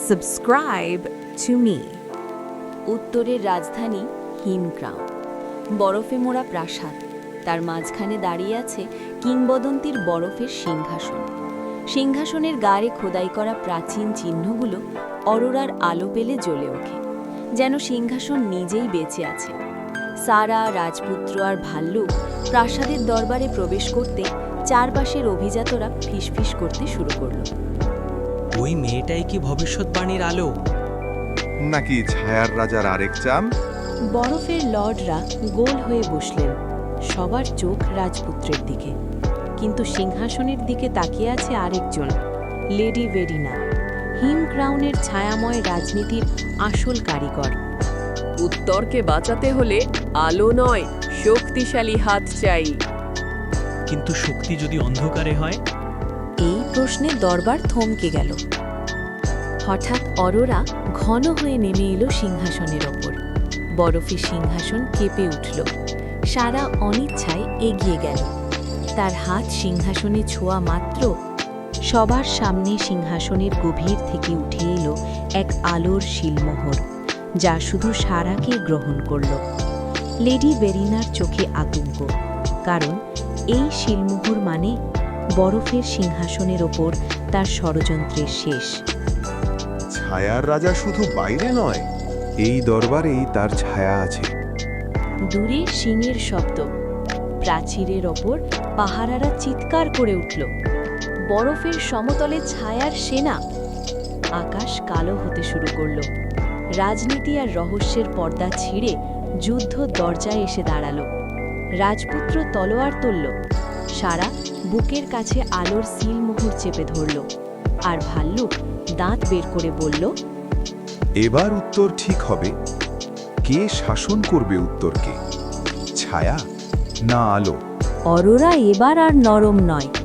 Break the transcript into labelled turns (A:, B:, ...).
A: Subscribe to me.
B: উত্তরের রাজধানী হিমক্রাউন, বরফে মোড়া প্রাসাদ। তার মাঝখানে দাঁড়িয়ে আছে কিংবদন্তির বরফের সিংহাসন। সিংহাসনের গায়ে খোদাই করা প্রাচীন চিহ্নগুলো অরোরার আলো পেলে জ্বলে ওঠে, যেন সিংহাসন নিজেই বেঁচে আছে। সারা, রাজপুত্র আর ভাল্লুক প্রাসাদের দরবারে প্রবেশ করতে চারপাশের অভিজাতরা ফিসফিস করতে শুরু করল।
C: ওই মেয়েটাই কি ভবিষ্যৎবাণীর আলো?
D: নাকি ছায়ার রাজার আরেক চাম?
B: বরফের লর্ডরা গোল হয়ে বসলেন, সবার চোখ রাজপুত্রের দিকে। কিন্তু সিংহাসনের দিকে তাকিয়ে আছে আরেকজন, লেডি ভেরিনা, হিমক্রাউনের ছায়াময় রাজনীতির আসল কারিগর।
A: উত্তরকে বাঁচাতে হলে আলো নয়, শক্তিশালী হাত চাই।
C: কিন্তু শক্তি যদি অন্ধকারে হয়?
B: এই প্রশ্নে দরবার থমকে গেল। হঠাৎ অরোরা ঘন হয়ে নেমে এলো সিংহাসনের ওপর। বরফের সিংহাসন কেঁপে উঠল। সারা অনিচ্ছায় এগিয়ে গেল। তার হাত সিংহাসনে ছোঁয়া মাত্র সবার সামনে সিংহাসনের গভীর থেকে উঠে এলো এক আলোর শিলমোহর, যা শুধু সারাকে গ্রহণ করল। লেডি ভেরিনার চোখে আতঙ্ক, কারণ এই শিলমোহর মানে বরফের সিংহাসনের ওপর তার ষড়যন্ত্রের শেষ।
D: ছায়ার রাজা শুধু বাইরে নয়, এই দরবারেই তার ছায়া আছে।
B: দূরে শিঙের শব্দ, প্রাচীরের ওপর পাহারারা চিৎকার করে উঠল। বরফের সমতলে ছায়ার সেনা। আকাশ কালো হতে শুরু করল। রাজনীতি আর রহস্যের পর্দা ছিঁড়ে যুদ্ধ দরজায় এসে দাঁড়ালো। রাজপুত্র তলোয়ার তুলল। সারা বুকের কাছে আলোর সিলমোহর চেপে ধরল, আর ভাল্লুক দাঁত বের করে বলল,
D: এবার উত্তর ঠিক হবে। কে শাসন করবে উত্তরকে, ছায়া না আলো?
B: অরোরা এবার আর নরম নয়,